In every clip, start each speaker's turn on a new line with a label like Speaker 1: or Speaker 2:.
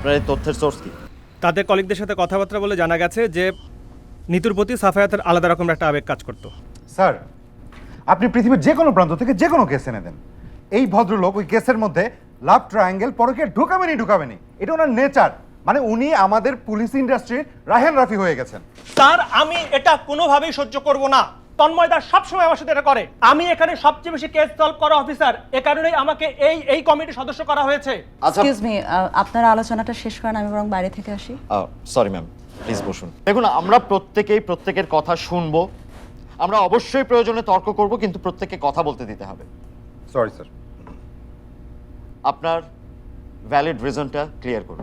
Speaker 1: আপনার এই তথ্যের সোর্স কি?
Speaker 2: তাদের কলিগদের সাথে কথাবার্তা বলে জানা গেছে যে নিতুর প্রতি সাফায়াতের আলাদা রকমের একটা আবেগ কাজ করতো।
Speaker 3: স্যার, আপনি পৃথিবীর যে কোনো প্রান্ত থেকে যে কোনো কেস এনে দেন, এই ভদ্রলোক ওই কেসের মধ্যে লাভ ট্রায়াঙ্গেল পরকে ঢুকাবেনি। এটা ওনার নেচার। মানে উনি আমাদের পুলিশ ইন্ডাস্ট্রির রাহেন রাফি হয়ে গেছেন।
Speaker 2: স্যার, আমি এটা কোনোভাবেই সহ্য করব না। তন্ময়দা সবসময় আমার সাথে এটা করে। আমি এখানে সবচেয়ে বেশি কেস সলভ করা অফিসার, এ কারণেই আমাকে এই কমিটির সদস্য করা হয়েছে।
Speaker 1: আচ্ছা,
Speaker 4: এক্সকিউজ মি, আপনার আলোচনাটা শেষ করেন, আমি বরং বাইরে থেকে আসি।
Speaker 1: সরি ম্যাম, প্লিজ বসুন। দেখুন, আমরা প্রত্যেকের কথা শুনবো, আমরা অবশ্যই প্রয়োজনে তর্ক করব, কিন্তু প্রত্যেককে কথা বলতে দিতে হবে।
Speaker 3: Sorry sir.
Speaker 1: আপনার ভ্যালিড রিজনটা ক্লিয়ার করুন।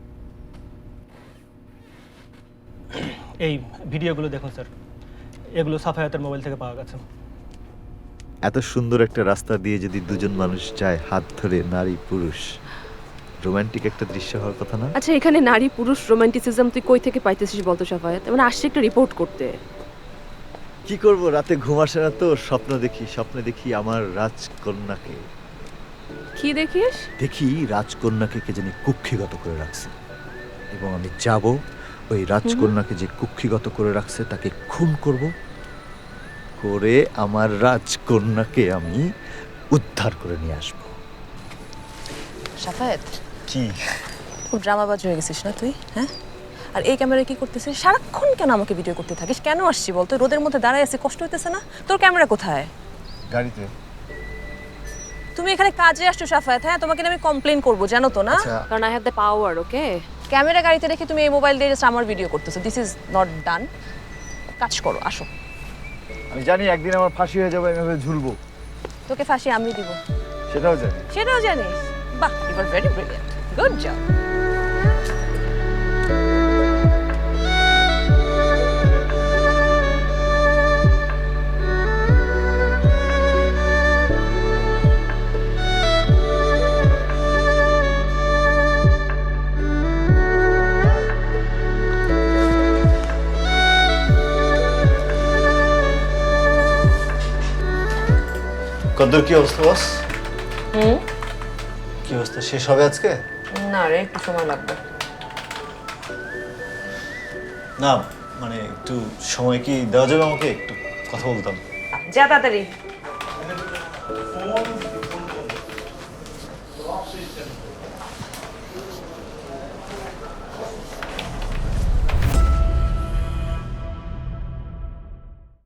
Speaker 2: এই ভিডিওগুলো দেখুন স্যার, এগুলো সাফায়াতের মোবাইল থেকে পাওয়া গেছে।
Speaker 5: এত সুন্দর একটা রাস্তা দিয়ে যদি দুজন মানুষ যায় হাত ধরে, নারী পুরুষ, রোমান্টিক একটা দৃশ্য হওয়ার কথা না?
Speaker 6: আচ্ছা, এখানে নারী পুরুষ রোমান্টিসিজম তুই কই থেকে পাইতেছিস বলতো সাফায়াত? মানে আসছে একটা রিপোর্ট করতে।
Speaker 5: কি করব, রাতে ঘুম আসে না তো, স্বপ্নে দেখি আমার রাজকন্যাকে।
Speaker 6: কি দেখিস?
Speaker 5: দেখি রাজকন্যাকে কে জানি কুক্ষিগত করে রাখছে, এবং আমি যাব ওই রাজকন্যাকে যে কুক্ষিগত করে রাখছে তাকে খুন করব, করে আমার রাজকন্যাকে আমি উদ্ধার করে নিয়ে আসব।
Speaker 4: সাফায়েত,
Speaker 5: কি
Speaker 4: খুব ড্রামাবাজ হয়ে গেছিস না তুই? হ্যাঁ, আর এই ক্যামেরা কি করতেছিস? সারাক্ষণ কেন আমাকে ভিডিও করতে থাকিস? কেন আসছি বলতো? রোদের মধ্যে দাঁড়ায় আছি, কষ্ট হইতেছে না? তোর ক্যামেরা কোথায়?
Speaker 5: গাড়িতে।
Speaker 4: তুমি এখানে কাজে আসছো সাফায়েত, হ্যাঁ? তোমাকে আমি কমপ্লেইন করবো, জানো তো না?
Speaker 6: কারণ I have the power, okay?
Speaker 4: Camera গাড়িতে রেখে তুমি এই মোবাইল দিয়ে জাস্ট আমার ভিডিও করতেছো। This is not done. কাজ করো, আসো।
Speaker 5: আমি জানি একদিন আমার ফাঁসি হয়ে যাবে, আমি এভাবে ঝুলবো।
Speaker 4: তোকে ফাঁসি আমি দিব।
Speaker 5: সেটাও জানি।
Speaker 4: সেটাও জানিস? বাহ, you are very brilliant, good job.
Speaker 5: কদ্দুর, কি অবস্থা বস? কি অবস্থা, শেষ হবে আজকে?
Speaker 4: না রে, একটু সময় লাগবে।
Speaker 5: না মানে একটু সময় কি দেওয়া যাবে আমাকে? একটু কথা বলতাম।
Speaker 4: যা তাড়াতাড়ি।